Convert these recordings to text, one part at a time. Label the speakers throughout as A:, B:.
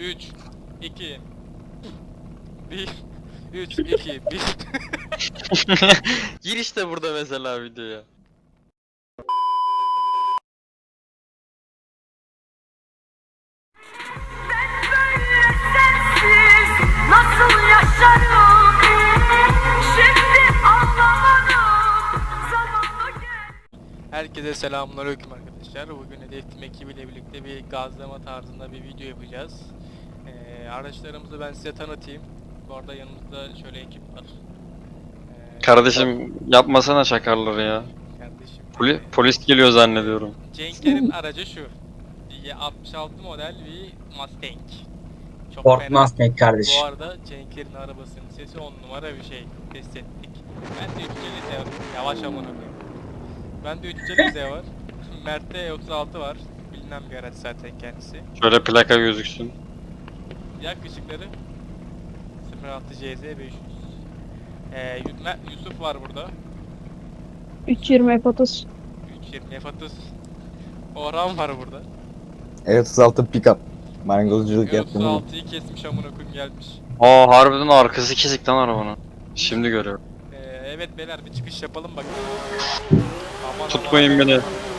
A: 3, 2, 1, 3, 2, 1.
B: Gir işte burada mesela videoya.
C: Sensiz nasıl yaşarım? Şimdi anlamadım. Zamanla gel.
A: Herkese selamünaleyküm arkadaşlar. Bugün Hedef ekibiyle birlikte bir gazlama tarzında bir video yapacağız. Araçlarımızı ben size tanıtayım. Bu arada yanımızda şöyle ekip var.
B: Kardeşim yapmasana çakarları ya.
A: Kardeşim.
B: Polis geliyor zannediyorum.
A: Cenk'lerin aracı şu. 66 model bir Mustang. Çok
D: Ford
A: fena.
D: Mustang kardeş.
A: Bu arada Cenk'lerin arabasının sesi 10 numara bir şey. Test ettik. Ben de 350 var. Yavaş amına koyayım. Ben de 350 var. Mert'te 36 var. Bilinen bir araç zaten kendisi.
B: Şöyle plaka gözüksün.
A: Yak ışıkları 06 CZ 500. Yusuf var burada.
E: 320 F30.
A: 320 F30. Orhan var burada.
F: Evet 36 pick-up. Marangozculuk yaptım.
A: 36'yı kesmiş amına koyayım gelmiş.
B: Aa harbiden arkası kesik lan arabanın. Şimdi görüyorum.
A: Evet beyler bir çıkış yapalım bakalım. Aman
B: Tutmayın
A: aman.
B: beni.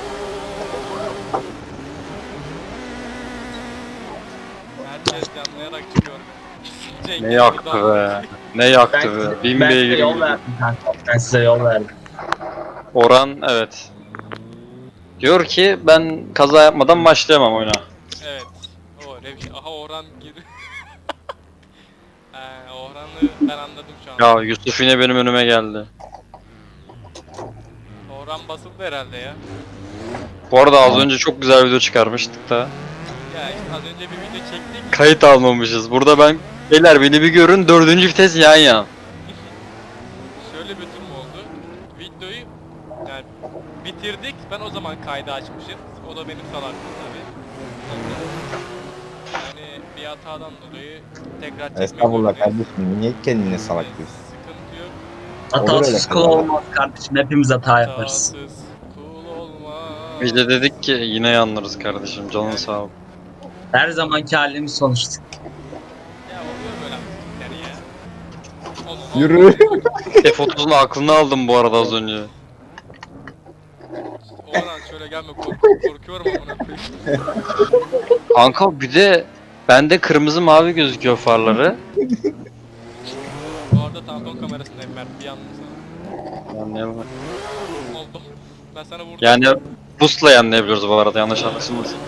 A: Herkes yanlayarak çıkıyor. Cenk
B: Ne
A: burada.
B: yaktı be. Ne yaktı be. Bin
D: Ben size
B: beygir
D: yol
B: gibi.
D: verdim kanka. Ben size yol verdim.
B: Orhan evet. Diyor ki ben kaza yapmadan başlayamam oyuna.
A: Evet. O öyle bir şey. Aha Orhan gir. Orhan'ı ben anladım şu an.
B: Ya Yusuf yine benim önüme geldi.
A: Orhan basıldı herhalde ya.
B: Bu arada az önce çok güzel video çıkarmıştık da.
A: Ya işte az önce bir video çektik.
B: Kayıt almamışız. Burada ben beyler beni bir görün 4. vites yan yan.
A: Şöyle bir durum oldu. Videoyu yani bitirdik. Ben o zaman kaydı açmışım. O da benim salaklığım tabii. Yani bir hatadan dolayı tekrar çekmek
F: Estağfurullah
A: zorundayız.
F: kardeşim. Niye kendine salak diyorsun?
A: Sıkıntı yok.
D: Hatasız kul olmaz kardeşim. Hepimiz hata yaparız.
A: Hatasız kul olmaz.
B: Biz de dedik ki yine yanlarız kardeşim canın sağ ol.
D: Her zamanki halimiz sonuçta.
A: Ya oluyor böyle hareketler ya. Oğlum,
F: Yürü.
B: F30'un aklını aldım bu arada az önce.
A: Orhan şöyle gelme korkuyorum amına koyayım.
B: Kanka bir de bende kırmızı mavi gözüküyor farları.
A: Bu arada tampon kamerasındayım Mert bir yandım sana.
B: Anlayalım.
A: Oldu. Ben sana vurdum.
B: Yani boost'la yanlayabiliyoruz bu arada yanlış anlaşılmasın.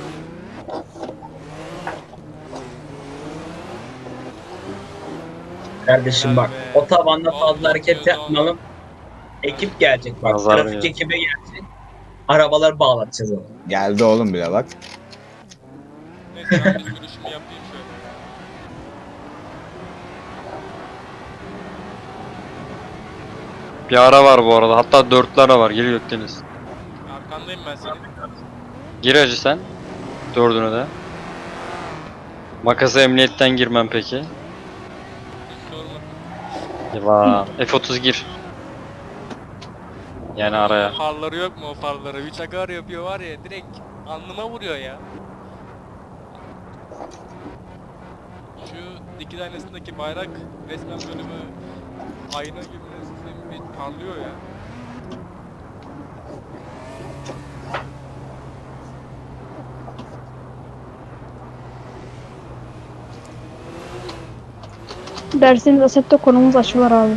D: Kardeşim bak.
A: Vay be.
D: Otobanda fazla
A: Allah
D: hareket
A: Allah.
D: yapmayalım. Ekip gelecek bak.
B: Nazar
D: Trafik
B: ya.
D: ekibi gelecek. Arabaları bağlatacağız ona.
F: Geldi oğlum bile bak.
A: Neyse ben de sürüşümü yapayım şöyle.
B: Bir ara var bu arada hatta dörtlü ara var gir Gökdeniz.
A: Arkandayım ben senin.
B: Gir hacı sen. Dördünü de. Makasa emniyetten girmem peki.
A: Hiç sorma.
B: Eyvah. F30 gir. Yani araya.
A: Farları yok mu o farları? Bir çakar yapıyor var ya direkt alnıma vuruyor ya. Şu dikiz aynasındaki bayrak resmen bölümü ayna gibi resmen bir parlıyor ya.
E: Derseniz Assetto konumuz açılar abi.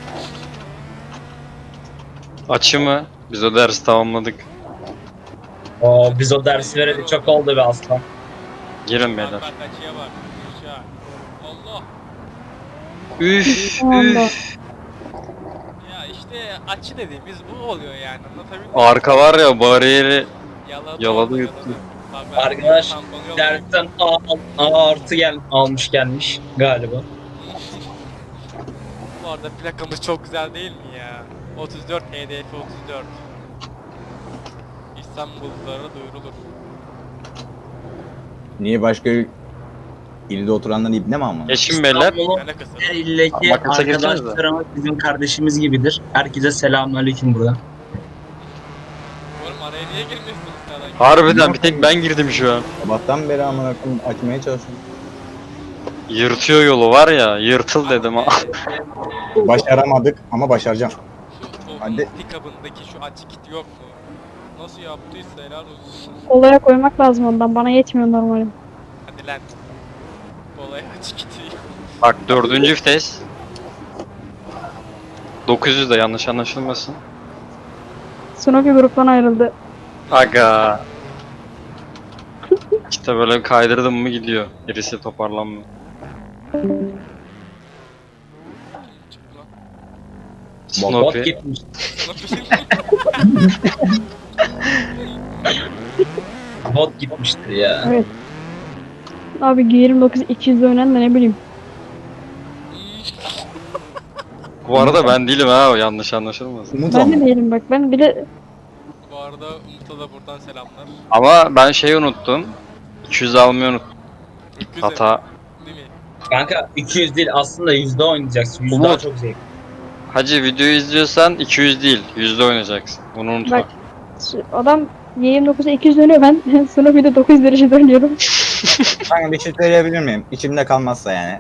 B: Açı mı? Biz o dersi tamamladık.
D: Oo, biz o dersi vereli çok oldu be aslan.
B: Girin
A: Bak
B: beyler.
A: bak açıya bak. Aşağı. Allah.
B: Üf
E: Allah.
B: üf.
A: Ya işte açı dediğimiz bu oluyor yani anlatabildim mi?
B: Arka var ya bariyeri yaladı
A: oldu,
B: yuttu.
A: Bak ben
D: Arkadaş,
A: tamponu yollayayım.
D: Dersten A artı almış gelmiş galiba.
A: Bu arada plakamız çok güzel değil mi ya? 34 HDF 34. İstanbullulara duyurulur.
F: Niye başka ilde oturanlar ibne mi ama?
B: Geçin beyler.
D: İstanbul'un
A: Ne alakası var?
D: her ildeki
B: Makasa girsenize.
D: arkadaşlarımız bizim kardeşimiz gibidir. Herkese selamünaleyküm burada.
A: Oğlum araya niye girmiyorsunuz sana?
B: Harbiden bir tek ben girdim şu an.
F: Sabahtan beri amına koyayım açmaya çalışıyorum.
B: Yırtıyor yolu var ya, yırtıl dedim ha.
F: Başaramadık ama başaracağım.
A: Şu
F: Hadi.
A: pick-up'ındaki şu açık kit yok mu? Nasıl yaptıysa helal olsun.
E: Olaya koymak lazım ondan. Bana yetmiyor normalim.
A: Hadi lan. Olay açık kiti.
B: Bak 4. vites. 900 de yanlış anlaşılmasın.
E: Snoopy gruptan ayrıldı.
B: Aga. İşte böyle kaydırdım mı gidiyor. Gerisi toparlanmıyor.
A: Çıktı lan.
D: Bot
B: Snoopy.
D: gitmiş. Bot gitmiştir ya.
E: Evet. Abi G29 200 oynayan da ne bileyim.
B: Bu arada ben değilim ha, o yanlış anlaşılmasın.
F: Umut
E: Ben
F: ama.
E: de değilim bak. Ben bile
A: Bu arada Umut'a da buradan selamlar.
B: Ama ben şeyi unuttum. 200 almayı unuttum.
A: Öküz
B: Hata.
A: Değil mi?
D: Kanka 200 değil aslında yüzde oynayacaksın. Yüzde daha
B: Umut.
D: çok zevk.
B: Hacı videoyu izliyorsan 200 değil, yüzde oynayacaksın. Bunu unutma.
E: bak adam G29'a 200 dönüyor. Ben Snoopy'de 900 derece dönüyorum.
F: Kanka bir şey söyleyebilir miyim? İçimde kalmazsa yani.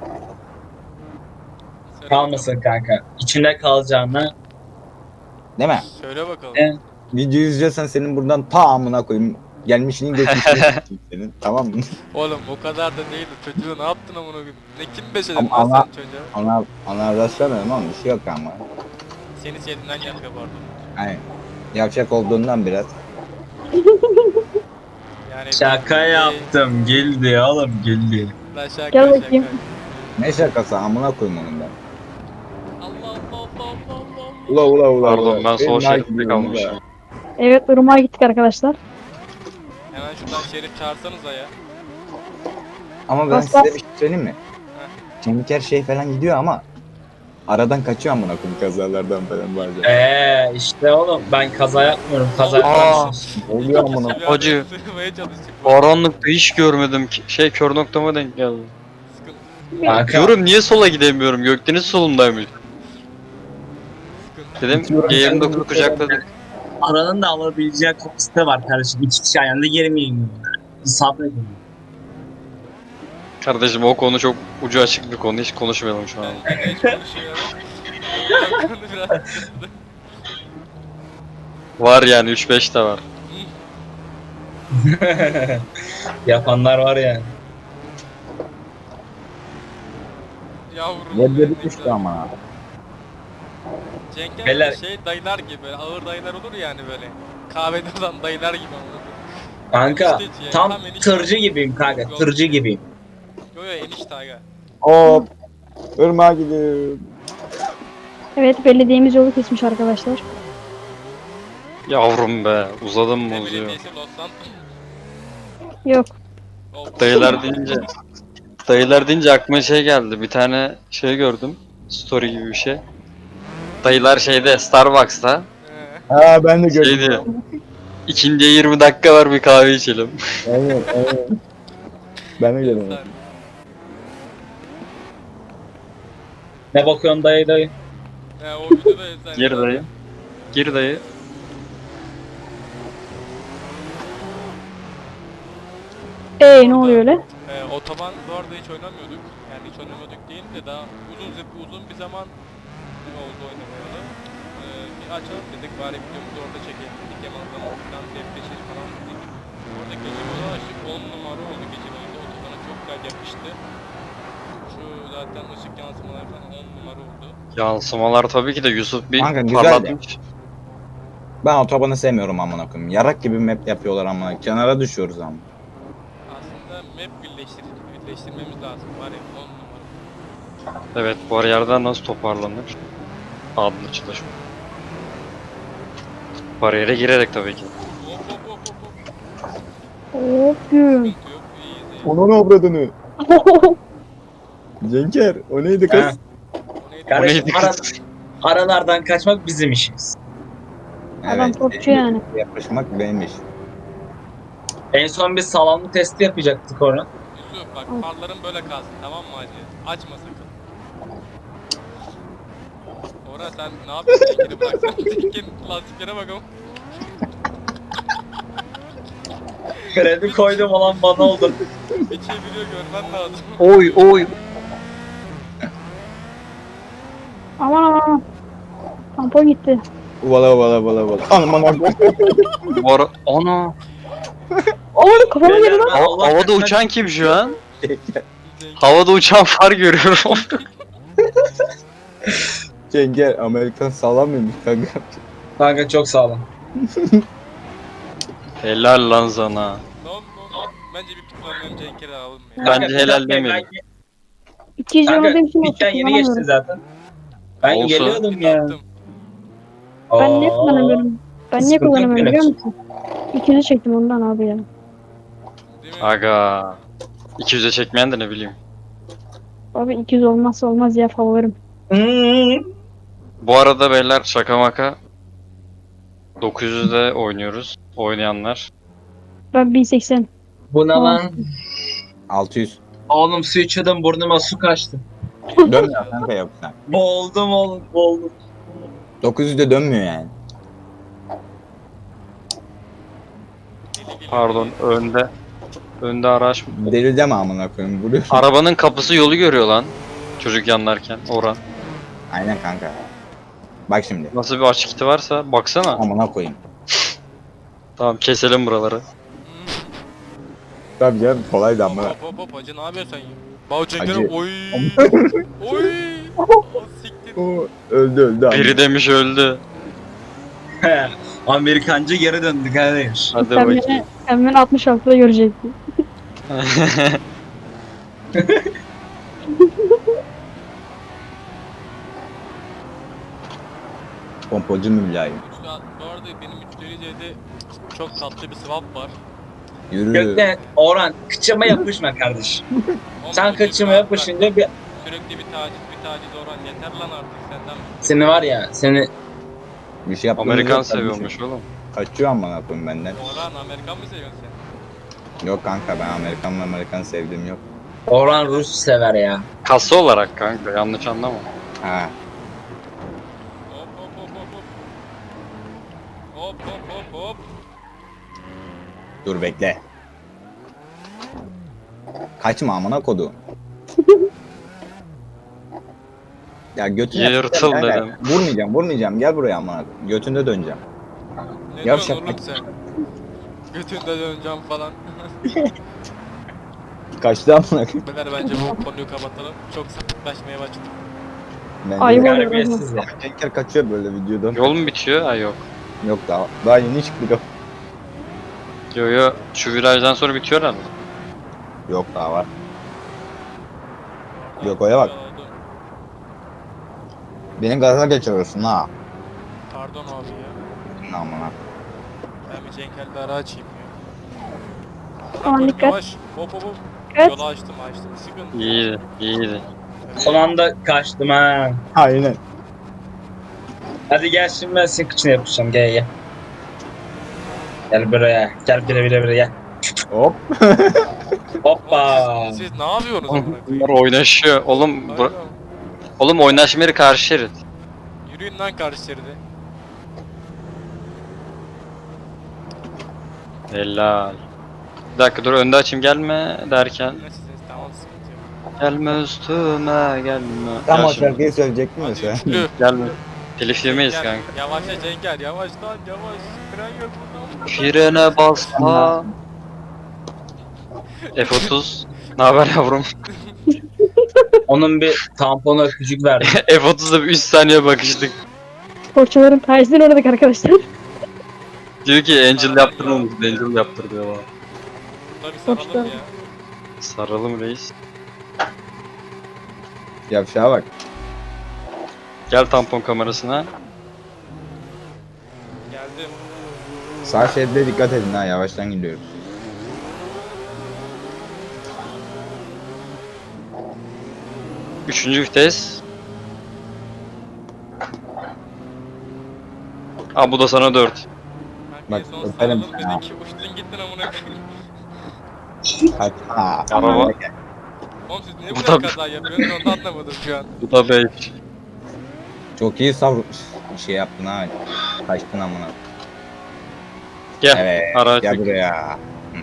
A: Söyle
D: Kalmasın kanka. İçinde kalacağına.
F: Değil mi?
A: bakalım. Söyle bakalım.
D: Evet.
F: Videoyu izliyorsan senin buradan ta amına koyayım. Gelmişini geçmişini s**eyim senin. Tamam mı?
A: Oğlum o kadar da değildi. Çocuğu ne yaptın amına koyayım? Ne kim beşedin lan
F: Ama-
A: sen çocuğa?
F: Ona rastlamıyorum ama bir şey yok ama.
A: Seni sevdiğinden yapıyor bu arada.
F: Hani yavşak olduğundan biraz.
A: Yani
D: Şaka yaptım. Geldi oğlum geldi.
A: La şaka
E: Gel
A: şaka.
E: bakayım.
F: Ne şakası amına koyayım onun ben.
A: Allah Allah Allah Allah Allah.
F: Ula.
B: Pardon, ben sol
F: Benim
B: şeritte
F: hakim
B: kalmışım.
F: ula.
E: Evet Irmak'a gittik arkadaşlar.
A: Hemen şuradan şerif çağırsanıza ya.
F: Ama ben
E: Bas,
F: size
E: bas.
F: bir şey söyleyeyim mi? Kemikler şey falan gidiyor ama aradan kaçıyor amına koyayım kazalardan falan bazen.
D: İşte oğlum ben kaza yapmıyorum. Kaza
B: Aa.
D: yapmıyorsun.
F: Oluyor amına.
B: Hacı.
A: Sığmaya çalıştık.
B: Karanlıkta hiç görmedim ki. Şey, kör noktama denk geldi.
A: Sıkıntı.
D: Kanka.
B: Diyorum niye sola gidemiyorum? Gökdeniz solundaymış. Dedim G29'u kucakladık.
D: Aranın da alabileceği kapasite var kardeşim. İki kişi aynı anda girmeyin. Sabredin.
B: Kardeşim o konu çok ucu açık bir konu. Hiç konuşmayalım şu an.
A: Ben de hiç konuşuyorum. Konu biraz sıkıntı.
B: Var yani 3-5 de var.
D: Yapanlar var ya.
A: Yavrum.
F: Yerleri
A: benim
F: düştü
A: ya.
F: ama.
A: Cenk'e
D: Beyler-
A: böyle şey dayılar gibi böyle ağır dayılar olur yani böyle. Kahvede olan dayılar gibi anladın.
D: Kanka
A: Enişte
D: tam
A: enişte.
D: tırcı gibiyim kanka. Tırcı gibiyim.
A: Yo yo enişte aga.
F: Hop. Irmağa gidiyor.
E: Evet belediyemiz yolu kesmiş arkadaşlar.
B: Yavrum be, uzadım mı
A: Ne
B: uzuyor.
A: belediyesi Los Santos.
E: Yok.
A: Oh.
B: Dayılar deyince aklıma şey geldi. Bir tane şey gördüm. Story gibi bir şey. Dayılar şeyde, Starbucks'ta.
F: Ha ben de
B: Şey
F: gördüm.
B: diyor. İkindiye 20 dakika var, bir kahve içelim.
F: Evet. Ben de gördüm.
D: Ne bakıyorsun dayı dayı?
A: O videoda sen.
B: Gir dayı. Gir dayı.
E: Ne oluyor öyle?
A: Otoban bu arada hiç oynamıyorduk. Yani hiç oynamıyorduk değil de daha uzun bir zaman oldu oynamayalı. Bir açalım dedik bari videomuzu orada çekelim dedik. Hem azdan depreşir falan dedik. Orada gece modu açtık. 10 numara oldu gece modu. Otobana çok güzel yapıştı. Şu zaten ışık yansımalar falan 10 numara oldu.
B: Yansımalar tabii ki de Yusuf bir
F: Kanka, güzel de.
B: parlatmış.
F: Ben otobanı sevmiyorum amına koyayım. Yarak gibi map yapıyorlar amına. Kenara düşüyoruz ama.
A: Aslında map birleştirmemiz lazım. Var ya 10 numara.
B: Evet, bu arayardan nasıl toparlanır? Adlı çalışma. Bariyere girerek tabii ki.
A: Hop.
E: Hop güm.
A: Sıkıntı yok. İyiyiz.
F: Onun obradını. Cenker o neydi
D: Ha.
F: kız?
A: O neydi?
D: Kardeşim
B: neydi kız?
D: aralardan kaçmak bizim işimiz.
E: Adam topçu yani.
F: Yaklaşmak benim iş.
D: En son biz sağlamlık testi yapacaktık orada.
A: Yusuf bak farların böyle kalsın tamam mı hacı? Açma sakın. Orhan sen ne yapıyorsun? Tekini bıraksana. Tekin lastiklere bakalım.
D: Kredi koydum olan bana oldu.
A: Bir çeviriyor görmen lazım.
B: Oy oy.
E: Tampon gitti.
F: Vala. Aman
B: Bu ara... Ana!
E: Oğlum kafama girdi lan.
B: Havada uçan kim şu an? Havada uçan far görüyorum.
F: Cenker Amerikan sağlam mıymış kanka?
D: Kanka çok sağlam.
B: Helal lan sana.
A: Lan. Bence bir pitmandan Cenk'e alalım ya.
B: Bence helal demeyelim.
E: 200
D: Kanka
E: olmadığım için
D: bitten yeni geçti
E: kullanamıyorum.
D: zaten. Ben
B: Olsun.
D: geliyordum ya.
A: Attım.
E: Ben niye
D: Aa,
E: kullanamıyorum? Ben niye
D: sıkıntı yok
E: kullanamıyorum biliyor
D: benim.
E: musun? 200'ü çektim ondan abi ya.
A: Değil mi?
B: Aga. 200'e çekmeyen de ne bileyim.
E: Abi 200 olmazsa olmaz ya favorim.
B: Bu arada beyler şaka maka 900'de oynuyoruz. Oynayanlar.
E: Ben 1080.
D: Bu ne lan?
F: 600.
D: Oğlum su içiyordum burnuma su kaçtı.
F: Dönmüyor kanka yoksa.
D: Boğuldum oğlum boğuldum.
F: 900'de dönmüyor yani.
B: Pardon önde. Önde araç.
F: Deli deme amına koyayım vuruyor.
B: Arabanın kapısı yolu görüyor lan. Çocuk yanlarken Orhan.
F: Aynen kanka. Bak şimdi.
B: Nasıl bir açık iti varsa baksana.
F: Amına koyayım.
B: Tamam keselim buraları.
F: Tabii canım kolaydı amına.
A: Hop hacı ne yapıyorsun sen ya? Bau Cenk'e
F: Hacı.
A: oy. Oy. O siktir.
F: Oo, öldü abi.
B: Biri demiş öldü.
D: Amerikancı geri döndü kardeş.
B: Hadi
E: Sen
B: bakayım.
E: beni 66'da görecektin.
F: Pompacı mı mülayim?
A: Bu arada benim 350C'de çok tatlı bir swap var.
F: Yürü.
D: Gökten Orhan kıçıma yapışma kardeş. Sen
A: Ama
D: kıçıma
A: bak,
D: yapışınca bir
A: sürekli bir taciz Orhan yeter lan artık senden.
D: seni var ya seni
F: Bir şey yapmamız
B: Amerikan
F: yok kardeşim.
B: seviyormuş oğlum.
F: Kaçıyor amına koyayım benden.
A: Orhan Amerikan mı seviyorsun sen?
F: Yok kanka ben Amerikan sevdiğim yok.
D: Orhan Rus sever ya.
B: Kasa olarak kanka yanlış anlama.
F: Ha.
A: Hop hop hop hop hop. Hop hop hop hop.
F: Dur bekle. Kaçma amına kodu. Ya götüne
B: Yırtıl
F: kanka.
B: dedim.
F: Vurmayacağım. Gel buraya amına koyayım. Götünde döneceğim.
A: Ne
F: Yavşak
A: diyorsun oğlum sen? Götünde döneceğim falan.
F: Kaçtı amına koyayım.
A: Beyler bence bu konuyu kapatalım. Çok sapıklaşmaya başladık.
F: Bence
E: Ayıp
F: de.
E: oluyor.
D: Terbiyesiz ya.
F: Cenker kaçıyor böyle videodan.
B: Yol mu bitiyor? Ha yok.
F: Yok daha yeni çıktık.
B: Yo şu virajdan sonra bitiyor herhalde.
F: Yok daha var. Yok, oya bak. Beni gaza geçiriyorsun ha.
A: Pardon abi ya.
F: Ne amına.
A: Ben bir Cenkel'de ara açayım ya.
E: Aman
A: Bırak
E: dikkat.
A: oğlum, yavaş. Hop hop hop.
E: Evet.
A: Yolu açtım. Sıkıntı.
B: İyiydi.
D: Son anda kaçtım ha.
F: Aynen.
D: Hadi gel şimdi ben senin kıçına yapışacağım gel. Gel buraya. Gel bire gel.
F: Hop.
D: Hoppa.
A: Siz ne yapıyorsunuz amına
B: Bunlar
A: koyayım?
B: oynaşıyor. Oğlum
A: Aynen.
B: oğlum oynaşma yeri karşı şerit.
A: Yürüyün lan karşı şeride.
B: Helal. Bir dakika dur önde açayım gelme derken.
A: Neyse tamam sıkıntı yok.
B: Gelme üstüme gelme.
F: Tam
B: Gel
F: o
B: şimdi.
F: şarkıyı söyleyecektim ya
A: Hadi
F: sen.
A: üçlü.
B: Gelme. Telif yemeyiz
A: Cenk
B: kanka.
A: gel. Yavaşla Cenk yavaş lan yavaş. Fren yok buradan.
B: Frene basma. F30. Ne haber yavrum?
D: Onun bir tamponu öpücük verdim.
B: F30'da bir 3 saniye bakıştık.
E: Sporcuların tersine uğradık arkadaşlar.
B: Diyor ki Angel yaptırmamış. Angel yaptır diyor bana.
A: Burada bir saralım ya.
B: Saralım reis.
F: Yavşağa bak.
B: Gel tampon kamerasına.
A: Geldim.
F: Sağ şeride dikkat edin ha yavaştan gidiyoruz.
B: Üçüncü vites. Aa bu da sana 4.
A: Kanka
F: Bak,
A: en son
F: öperim
A: saralım
F: seni ha.
A: dedik ki uçtun gittin amına koyayım.
F: Kaçma.
B: Araba.
A: Oğlum siz niye
B: Bu
A: bu kadar
B: da-
A: kaza yapıyorsunuz onu da anlamadım şu an.
B: Bu da 5.
F: Çok iyi şey yaptın ha. Kaçtın amına.
B: Gel.
F: Evet.
B: Araç
F: Gel
B: çek.
F: buraya.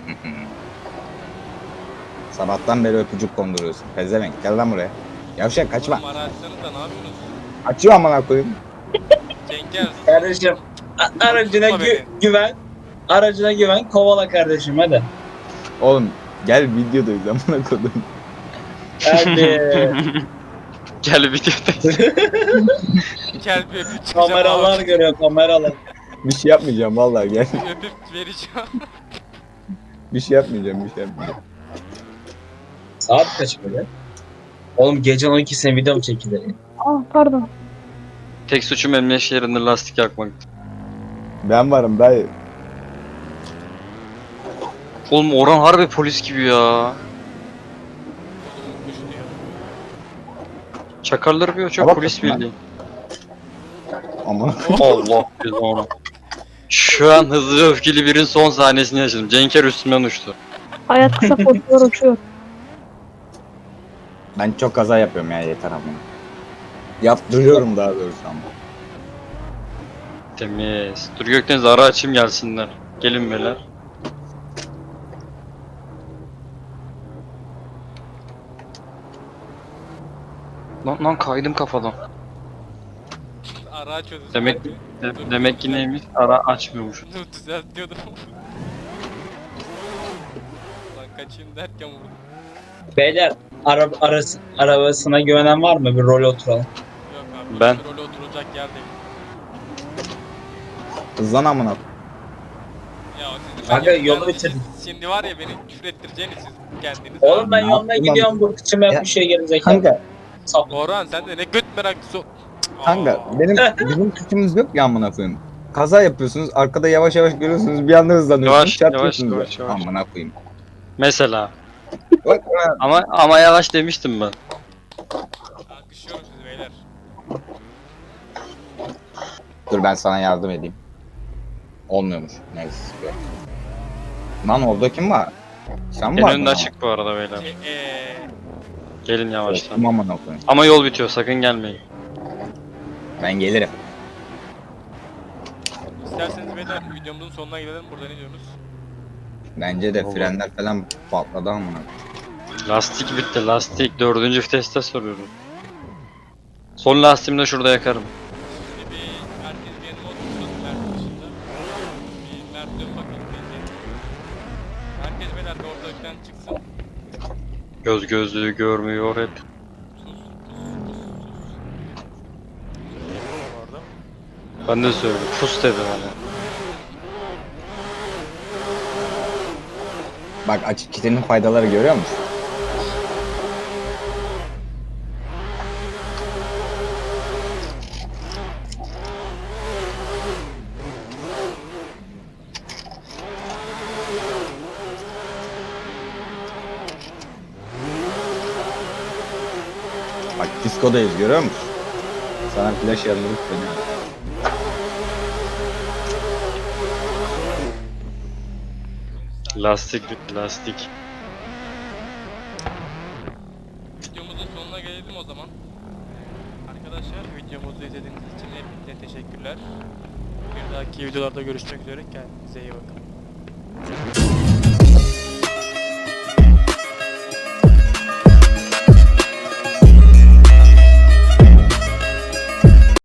F: Sabahtan beri öpücük konduruyorsun. Pezevenk gel lan buraya. Yavşak kaçma.
A: Oğlum araçlarınızda ne yapıyorsunuz?
F: Açıyor amına koyayım.
A: Cenker.
D: Kardeşim aracına
A: Tutma beni.
D: güven. Aracına güven. Kovala kardeşim hadi.
F: Oğlum gel videodayız amına kodum.
D: Hadi.
B: Gel videodayız.
A: Gel bir öpüp çıkacağım
D: Kameralar
A: abi.
D: görüyor kameralar.
F: Bir şey yapmayacağım vallahi gel.
A: Öpüp vereceğim.
F: Bir şey yapmayacağım, bir şey yapmayacağım.
D: Saat kaç böyle? Oğlum gece 12'sine video mu çekilir?
E: Ah pardon.
B: Tek suçum emniyet şeridinde lastik yakmak.
F: Ben varım dayı.
B: Oğlum Orhan harbi polis gibi ya.
A: Oğlum kuş diyor.
B: Çakarları bir çok
F: Bak
B: polis
F: lan.
B: bildiğin.
F: Amına
B: Allah cezanı. Şu an hızlı ve öfkeli birin son sahnesini yaşadım. Cenker üstümden uçtu.
E: Hayat kısa korkular uçuyor.
F: ben çok kaza yapıyorum ya yeter amına. Yaptırıyorum daha doğrusu ama.
B: Temiz. Dur Gökdeniz ara açayım gelsinler. Gelin beyler. Lan kaydım kafadan.
A: Ara açıyordu.
B: Demek demek ki neymiş? Ara açmıyormuş.
A: Dur düzeltiyordum. Lan kaçayım derken vurdum.
D: Beyler arabasına güvenen var mı? Bir rol oturalım.
A: Yok abi.
B: Ben-
A: Role oturacak yer değil.
F: Hızlan amına.
A: Ya siz
D: Kanka,
A: ben-
D: yolu
A: ben-
D: bitirdik.
A: Şimdi var ya beni küfür ettireceğiniz siz kendiniz.
D: Oğlum ben
F: Ne
D: yoluna
F: yaptın
D: gidiyorum bu kıçım
F: Ya.
D: yapmış şey gerizekalı.
F: Kanka,
D: Sapık.
A: Orhan sen de ne göt meraklısı ol-
F: kanka
A: Aa,
F: bizim suçumuz yok ya amına koyayım. Kaza yapıyorsunuz, arkada yavaş yavaş görüyorsunuz, bir anda hızlanıyorsunuz,
B: Yavaş,
F: çarpıyorsunuz.
B: yavaş, yavaş.
F: Amına koyayım.
B: Mesela.
F: Bak,
B: Ama yavaş demiştim ben.
A: Alkışlıyorum sizi beyler.
F: dur ben sana yardım edeyim. Olmuyormuş. Neyse. yok. Lan orada kim var? Sen
B: En
F: var
B: önünde açık bu arada beyler. Gelin yavaştan.
F: Tamam amına koyayım.
B: Ama yol bitiyor sakın gelmeyin.
F: Ben gelirim.
A: İsterseniz beyler videomuzun sonuna gelelim. Burada ne diyorsunuz?
F: Bence de
B: Olur.
F: frenler falan patladı amına.
B: Lastik bitti lastik. 4. viteste soruyorum. Son lastiğimi de şurada yakarım.
A: Şimdi bir herkes bir yanıma otursun Mert dışında. Bir Mert dön bakayım bence. Herkes beyler bir ortalıktan çıksın.
B: Göz gözlüğü görmüyor hep.
A: Sus. Bu arada.
B: Ben de söyledim. Pus dedi bana.
F: Bak açık kitlenin faydaları görüyor musun? Bak diskodayız görüyor musun? Sana flash yanılıp dönüyor.
B: Lastik bitti lastik.
A: Videomuzun sonuna gelelim o zaman. Arkadaşlar videomuzu izlediğiniz için hepinize teşekkürler. Bir dahaki videolarda görüşmek üzere. Kendinize iyi bakın.